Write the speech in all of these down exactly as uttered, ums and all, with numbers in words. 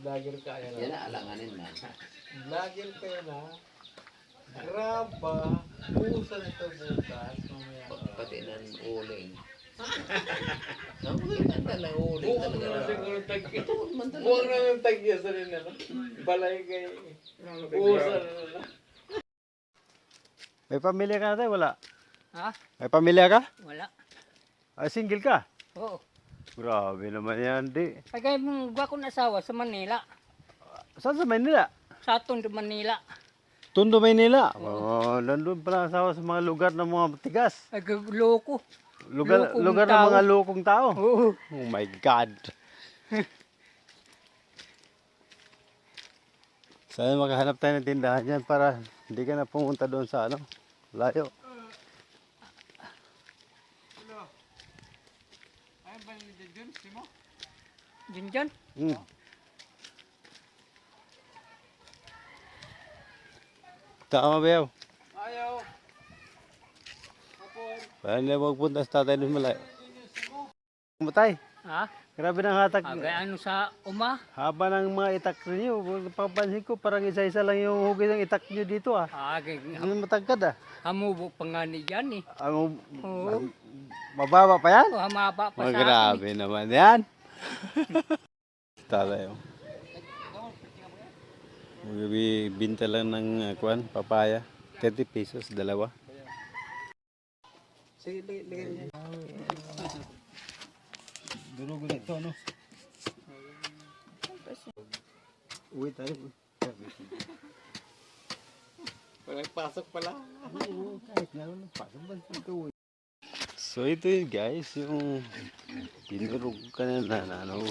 Vlogger ka yan. Yan na, alanganin man. Vlogger ka yan ha. Graba. Busa na ito bukas. Mamaya. Pati ng uling. Ang ganda lang uling Buwag talaga. na siguro tagya. Ito man talaga. Buwag na yung tagya sa rin na. Balay kay. Busa na na. May pamilya ka natin? Wala? Ha? May pamilya ka? Wala. Ah, single ka? Oo. Grabe naman yan, di. Ay kaya mong gwa kong asawa sa Manila. Saan sa Manila? Sa Tondo, Manila. Tondo, Manila. Oh, nandun pala asawa sa mga lugar ng mga tigas. Ay loko. Lugar, Lokong lugar ng tao. mga lokong tao. Oo. Oh my God. Sana makahanap tayo ng tindahan yan para hindi ka na pumunta doon sa ano, layo. Ay, ba ni Jun? Simo? Diyan dyan. Hmm. Tama ba yaw? Ayaw. Kapon. Parang hindi magpunta sa tatay doon malayo. Matay. Ha? Grabe ng hatak. Ah, kaya ano sa uma? Haba ng mga itak ninyo. Papansin ko parang isa-isa lang yung hugis ng itak nyo dito ah. Ah, kaya Ano matagkad ah. hamubo pa nga ni dyan eh. Ang Oo. mababa pa yan? Oh, hamaba pa Oh, sa akin. grabe naman yan. Talayo. Magbibinta lang ng uh, kwan, papaya. thirty pesos, dalawa. Sige, lagay niya. Durog na ito, no? Uwi tayo. Walang pasok pala. Oo, kahit nga lang, pasok ba ito? So ito yun guys, yung dinurog ka na na, na ano,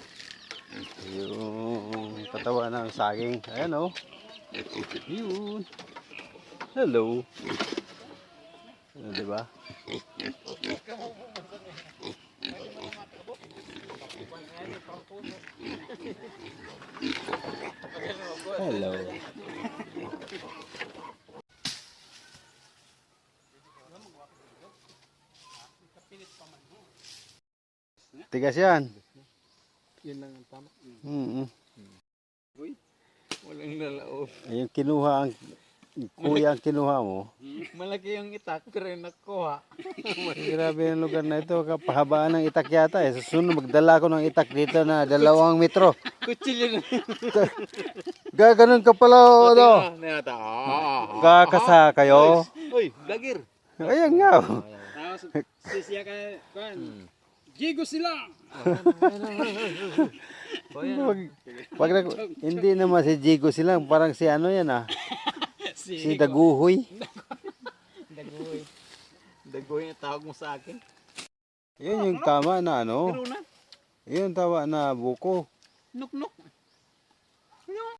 yung katawan ng saging. Ayan o. Yun. Hello. Ano, diba? Hello. Tigas yan. Yun lang ang tama. Mm-hmm. Walang nalaob. Yung kinuha ang kuya ang kinuha mo. Malaki yung itak pero yung nakuha. Grabe yung lugar na ito. Kapahabaan ng itak yata eh. Susunod magdala ko ng itak dito na dalawang metro. Kutsilyo na. Gaganon ka pala ano. Nata. Kakasa kayo. Uy, vlogger. Ayan nga. oh. Tapos sisiya ka kan. Gigo sila. Wag, wag na, hindi naman si Jigo silang. Parang si ano yan ah. Si Daguhoy. Dagoy. Dagoy ang tawag mo sa akin. Yun yung tama na ano. Pero na. Yun yung tama na buko. Nuk nuk.